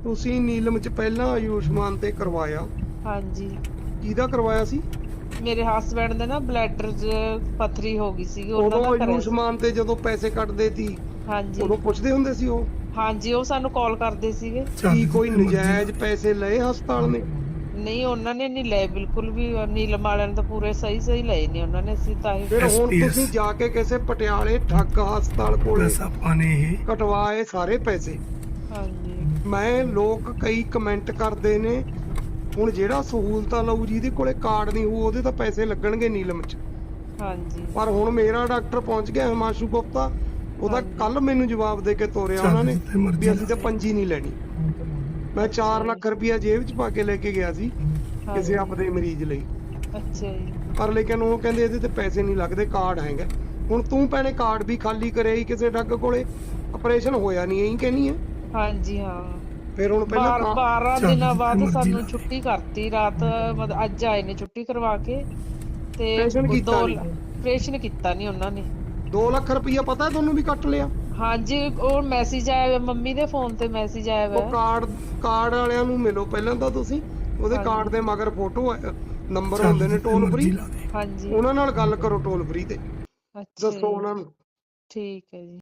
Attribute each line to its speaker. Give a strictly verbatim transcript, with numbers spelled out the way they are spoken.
Speaker 1: ਤੁਸੀਂ ਨੀਲਮ ਚ ਪਹਿਲਾਂ ਆਯੁਸ਼ਮਾਨ ਤੇ ਕਰਵਾਇਆ?
Speaker 2: ਹਾਂਜੀ।
Speaker 1: ਕਿਹਦਾ ਕਰਵਾਇਆ ਸੀ?
Speaker 2: ਮੇਰੇ ਹਸਬੈਂਡ ਦੇ ਨਾ ਬਲੈਡਰ 'ਚ ਪੱਥਰੀ ਹੋ ਗਈ ਸੀਗੀ, ਉਹਨਾਂ
Speaker 1: ਉਦੋਂ
Speaker 2: ਦਾ ਕਰਿਆ ਸੀ।
Speaker 1: ਆਯੁਸ਼ਮਾਨ ਤੇ ਜਦੋਂ ਪੈਸੇ ਕੱਟਦੇ ਸੀ
Speaker 2: ਹਾਂਜੀ
Speaker 1: ਉਦੋਂ ਪੁੱਛਦੇ ਹੁੰਦੇ ਸੀ ਉਹ?
Speaker 2: ਹਾਂਜੀ, ਉਹ ਸਾਨੂੰ ਕਾਲ ਕਰਦੇ ਸੀਗੇ।
Speaker 1: ਕੀ ਕੋਈ ਨਜਾਇਜ਼ ਪੈਸੇ ਲਏ ਹਸਪਤਾਲ ਨੇ?
Speaker 2: ਨਹੀਂ, ਉਹਨਾਂ ਨੇ ਨਹੀਂ ਲਏ ਬਿਲਕੁਲ ਵੀ। ਨੀਲਮ ਵਾਲਿਆਂ ਨੇ ਤਾਂ ਪੂਰੇ ਸਹੀ ਸਹੀ ਲਏ ਨੇ ਉਹਨਾਂ ਨੇ। ਅਸੀਂ ਤਾਂ ਇਹ
Speaker 1: ਫਿਰ ਹੁਣ ਤੁਸੀਂ ਜਾ ਕੇ ਕਿਸੇ ਪਟਿਆਲੇ ਠੱਗ ਹਸਪਤਾਲ ਕੋਲੇ ਕਟਵਾਏ ਸਾਰੇ ਪੈਸੇ।
Speaker 2: ਹਾਂਜੀ
Speaker 1: ਮੈਂ ਲੋਕ ਕਈ ਕਮੈਂਟ ਕਰਦੇ ਨੇ ਹੁਣ ਜਿਹੜਾ ਸਹੂਲਤਾਂ ਲਊ ਜਿਹਦੇ ਕੋਲੇ ਕਾਰਡ ਨਹੀਂ ਹੋਊ ਉਹਦੇ ਤਾਂ ਪੈਸੇ ਲੱਗਣਗੇ ਨੀਲਮ ਚ।
Speaker 2: ਹਾਂਜੀ
Speaker 1: ਪਰ ਹੁਣ ਮੇਰਾ ਡਾਕਟਰ ਪਹੁੰਚ ਗਿਆ ਹਿਮਾਂਸ਼ੂ ਗੁਪਤਾ, ਉਹਦਾ
Speaker 2: ਹਾਂਜੀ
Speaker 1: ਕੱਲ ਮੈਨੂੰ ਜਵਾਬ ਦੇ ਕੇ ਤੋਰਿਆ ਉਹਨਾਂ ਨੇ ਵੀ ਅਸੀਂ ਤਾਂ ਪੰਜੀ ਨਹੀਂ ਲੈਣੀ। ਮੈਂ ਚਾਰ ਲੱਖ ਰੁਪਇਆ ਜੇਬ ਚ ਪਾ ਕੇ ਲੈ ਕੇ ਗਿਆ ਸੀ ਕਿਸੇ ਆਪਦੇ ਮਰੀਜ਼ ਲਈ।
Speaker 2: ਅੱਛਾ ਜੀ।
Speaker 1: ਪਰ ਲੇਕਿਨ ਉਹ ਕਹਿੰਦੇ ਇਹਦੇ ਤੇ ਪੈਸੇ ਨਹੀਂ ਲੱਗਦੇ, ਕਾਰਡ ਹੈਗਾ। ਹੁਣ ਤੂੰ ਭੈਣੇ ਕਾਰਡ ਵੀ ਖਾਲੀ ਕਰਿਆ ਹੀ ਕਿਸੇ ਠੱਗ ਕੋਲੇ, ਆਪਰੇਸ਼ਨ ਹੋਇਆ ਨਹੀਂ ਇਹੀ ਕਹਿਨੀ ਹੈ?
Speaker 2: ਹਾਂਜੀ ਹਾਂ।
Speaker 1: ਫਿਰ ਹੁਣ ਪਹਿਲਾਂ
Speaker 2: ਬਾਰਾਂ ਦਿਨਾਂ ਬਾਅਦ ਸਾਨੂੰ ਛੁੱਟੀ ਕਰਤੀ ਰਾਤ, ਮਤਲਬ ਅੱਜ ਆਏ ਨੇ ਛੁੱਟੀ ਕਰਵਾ ਕੇ। ਤੇ
Speaker 1: ਆਪਰੇਸ਼ਨ ਕੀਤਾ
Speaker 2: ਦੋ
Speaker 1: ਨੀ?
Speaker 2: ਆਪਰੇਸ਼ਨ ਕੀਤਾ ਨੀ ਉਹਨਾਂ ਨੇ।
Speaker 1: ਦੋ ਲੱਖ ਰੁਪਈਆ ਪਤਾ ਤੁਹਾਨੂੰ ਵੀ ਕੱਟ ਲਿਆ?
Speaker 2: ਹਾਂਜੀ, ਉਹ ਮੈਸੇਜ ਆਇਆ ਮੰਮੀ ਦੇ ਫੋਨ ਤੇ, ਮੈਸੇਜ ਆਇਆ
Speaker 1: ਉਹ
Speaker 2: ਵਾ।
Speaker 1: ਕਾਰਡ ਕਾਰਡ ਵਾਲਿਆਂ ਨੂੰ ਮਿਲੋ ਪਹਿਲਾਂ ਤਾਂ ਤੁਸੀਂ, ਉਹਦੇ ਕਾਰਡ ਦੇ ਮਗਰ ਫੋਟੋ ਨੰਬਰ ਹੁੰਦੇ ਨੇ ਟੋਲ ਫ੍ਰੀ,
Speaker 2: ਹਾਂਜੀ
Speaker 1: ਉਹਨਾਂ ਨਾਲ ਗੱਲ ਕਰੋ ਟੋਲ ਫ੍ਰੀ ਤੇ,
Speaker 2: ਅੱਛਾ
Speaker 1: ਦੱਸੋ
Speaker 2: ਜੀ,
Speaker 1: ਉਹਨਾਂ ਨੂੰ।
Speaker 2: ਠੀਕ ਹੈ ਜੀ।